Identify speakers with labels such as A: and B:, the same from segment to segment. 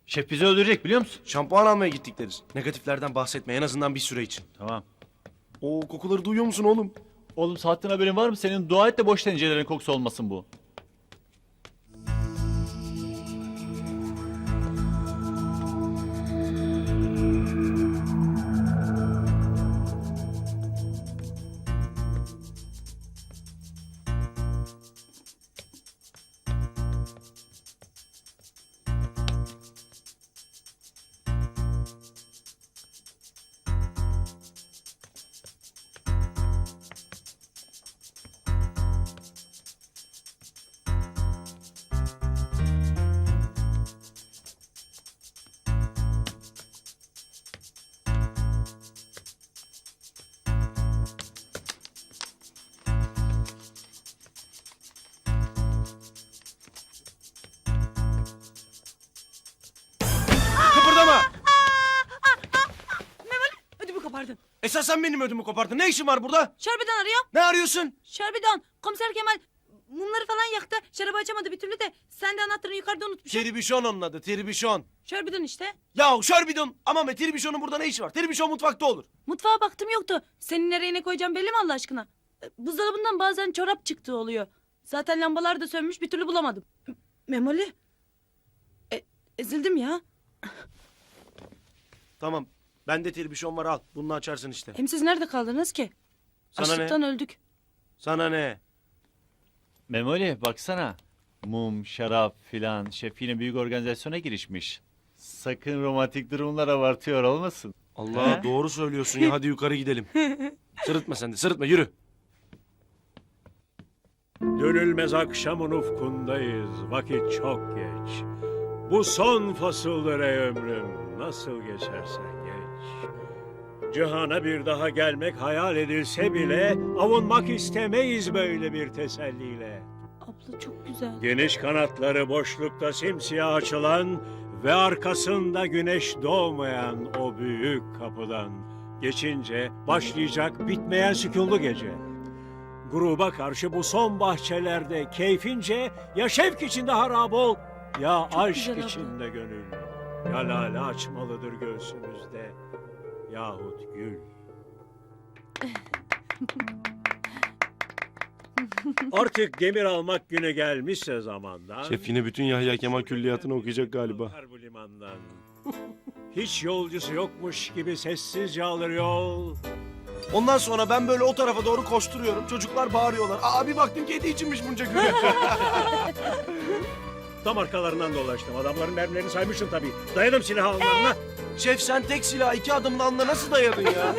A: Şef bizi öldürecek biliyor musun?
B: Şampuan almaya gittik deriz. Negatiflerden bahsetme en azından bir süre için.
A: Tamam.
B: Oo, kokuları duyuyor musun oğlum?
A: Oğlum saatten haberin var mı? Senin dua et de boş tencerelerin kokusu olmasın bu.
B: Kıpırdama!
C: Ödümü kopardın.
B: Esas sen benim ödümü kopardın. Ne işin var burada?
C: Şerbidan arıyor.
B: Ne arıyorsun?
C: Şerbidan. Komiser Kemal mumları falan yaktı. Şarabı açamadı bir türlü de. Sen de anahtarını yukarıda unutmuşsun.
B: Tribüşon onun adı. Tribüşon.
C: Şerbidan işte.
B: Ya şörbidon. Ama be Tribüşon'un burada ne işi var? Tribüşon mutfakta olur.
C: Mutfağa baktım yoktu. Senin nereye ne koyacağım belli mi Allah aşkına? Buzdolabından bazen çorap çıktığı oluyor. Zaten lambalar da sönmüş bir türlü bulamadım. Memoli. Ezildim ya.
B: Tamam. Bende tribüşon var al. Bunu açarsın işte.
C: Hem siz nerede kaldınız ki?
B: Sana ne?
C: Açlıktan öldük.
B: Sana ne?
A: Memoli baksana. Mum, şarap filan. Şef yine büyük organizasyona girişmiş. Sakın romantik durumlar abartıyor olmasın.
B: Allah
A: He?
B: doğru söylüyorsun ya. Hadi yukarı gidelim. Sırıtma sen de. Sırıtma yürü.
D: Dönülmez akşamın ufkundayız, vakit çok geç. Bu son fasıldır ey ömrüm, nasıl geçersen geç. Cihana bir daha gelmek hayal edilse bile, avunmak istemeyiz böyle bir teselliyle.
C: Abla çok güzel.
D: Geniş kanatları boşlukta simsiyah açılan ve arkasında güneş doğmayan o büyük kapıdan geçince başlayacak bitmeyen sükunlu gece. Gruba karşı bu son bahçelerde keyfince ya şevk içinde harap ol ya aşk
C: güzel abla.
D: içinde gönül. Ya lale açmalıdır göğsümüzde yahut gül. Artık demir almak günü gelmişse zamandan.
B: Şef yine bütün Yahya Kemal külliyatını okuyacak galiba.
D: Bakar bu limandan. Hiç yolcusu yokmuş gibi sessizce alır yol.
B: Ondan sonra ben böyle o tarafa doğru koşturuyorum. Çocuklar bağırıyorlar. Aa bir baktım kedi içinmiş bunca gülü.
D: Tam arkalarından dolaştım. Adamların mermilerini saymıştım tabii. Dayadım silah alnlarına.
B: Şef sen tek silah iki adımla alnına nasıl dayadın ya?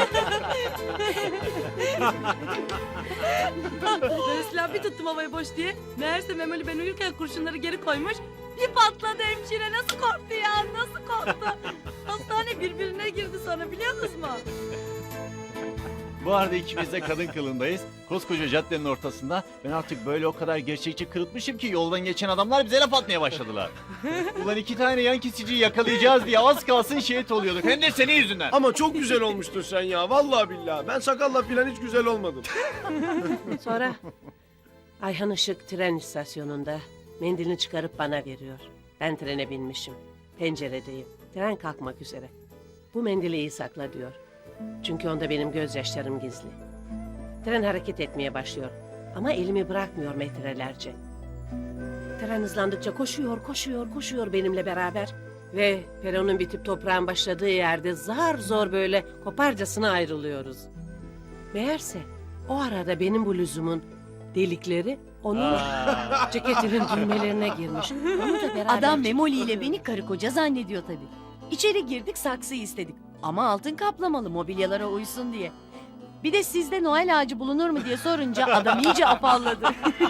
C: Ben silah bir tuttum havayı boş diye. Meğerse Memoli ben uyurken kurşunları geri koymuş. Bir patladı hemşire. Nasıl korktu ya? Nasıl korktu? Hastane birbirine girdi sonra biliyor musunuz mu?
A: Bu arada ikimiz de kadın kılındayız. Koskoca caddenin ortasında. Ben artık böyle o kadar gerçekçi kırıtmışım ki yoldan geçen adamlar bize laf atmaya başladılar. Ulan 2 tane yan kesiciyi yakalayacağız diye az kalsın şehit oluyorduk. Hem de senin yüzünden.
B: Ama çok güzel olmuştun sen ya. Vallahi billahi. Ben sakalla filan hiç güzel olmadım.
E: Sonra Ayhan Işık tren istasyonunda mendilini çıkarıp bana veriyor. Ben trene binmişim. Penceredeyim. Tren kalkmak üzere. Bu mendili iyi sakla diyor. Çünkü onda benim gözyaşlarım gizli. Tren hareket etmeye başlıyor. Ama elimi bırakmıyor metrelerce. Tren hızlandıkça koşuyor benimle beraber. Ve peronun bitip toprağın başladığı yerde zar zor böyle koparcasına ayrılıyoruz. Meğerse o arada benim bluzumun delikleri onun ceketinin düğmelerine girmiş. Onu da beraber
F: Adam Memoli ile beni karı koca zannediyor tabii. İçeri girdik saksı istedik. Ama altın kaplamalı mobilyalara uysun diye. Bir de sizde Noel ağacı bulunur mu diye sorunca adam iyice afalladı.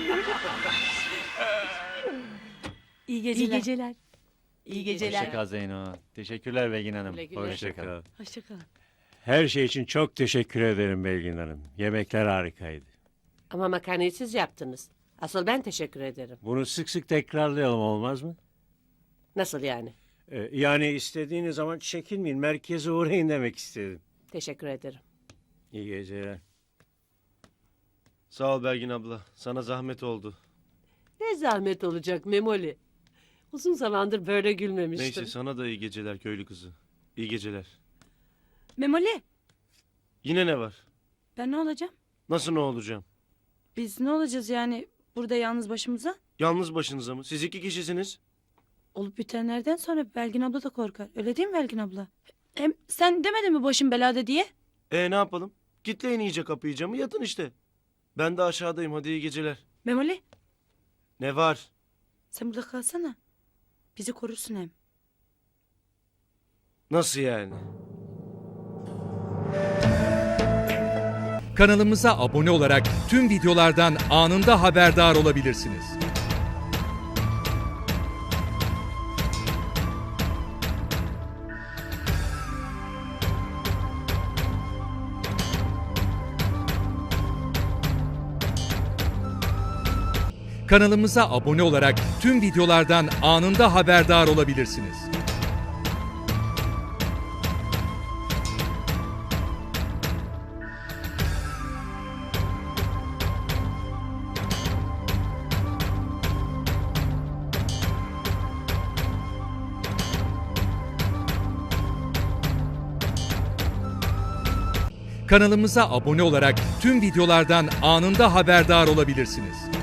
C: İyi
F: İyi
C: geceler.
F: geceler. İyi geceler.
A: Hoşçakal Zeyno. Teşekkürler Belgin Hanım.
E: Güle güle.
A: Hoşçakal.
C: Hoşçakalın.
D: Her şey için çok teşekkür ederim Belgin Hanım. Yemekler harikaydı.
E: Ama makarnayı siz yaptınız. Asıl ben teşekkür ederim.
D: Bunu sık sık tekrarlayalım olmaz mı?
E: Nasıl yani?
D: Yani istediğiniz zaman çekinmeyin. Merkeze uğrayın demek istedim.
E: Teşekkür ederim.
D: İyi geceler.
B: Sağ ol Belgin abla. Sana zahmet oldu.
E: Ne zahmet olacak Memoli. Uzun zamandır böyle gülmemiştim.
B: Neyse sana da iyi geceler köylü kızı. İyi geceler.
C: Memoli,
B: Yine ne var?
C: ben ne olacağım?
B: Nasıl ne olacağım?
C: Biz ne olacağız yani burada yalnız başımıza?
B: Yalnız başınıza mı? Siz 2 kişisiniz.
C: Olup bitenlerden sonra Belgin abla da korkar. Öyle değil mi Belgin abla? Hem sen demedin mi başım belada diye?
B: Ne yapalım? Kitleyin iyice kapıyı camı yatın işte. Ben de aşağıdayım hadi iyi geceler.
C: Memoli,
B: Ne var?
C: sen burada kalsana. Bizi korursun hem.
B: Nasıl yani?
G: Kanalımıza abone olarak tüm videolardan anında haberdar olabilirsiniz. Kanalımıza abone olarak tüm videolardan anında haberdar olabilirsiniz. Kanalımıza abone olarak tüm videolardan anında haberdar olabilirsiniz.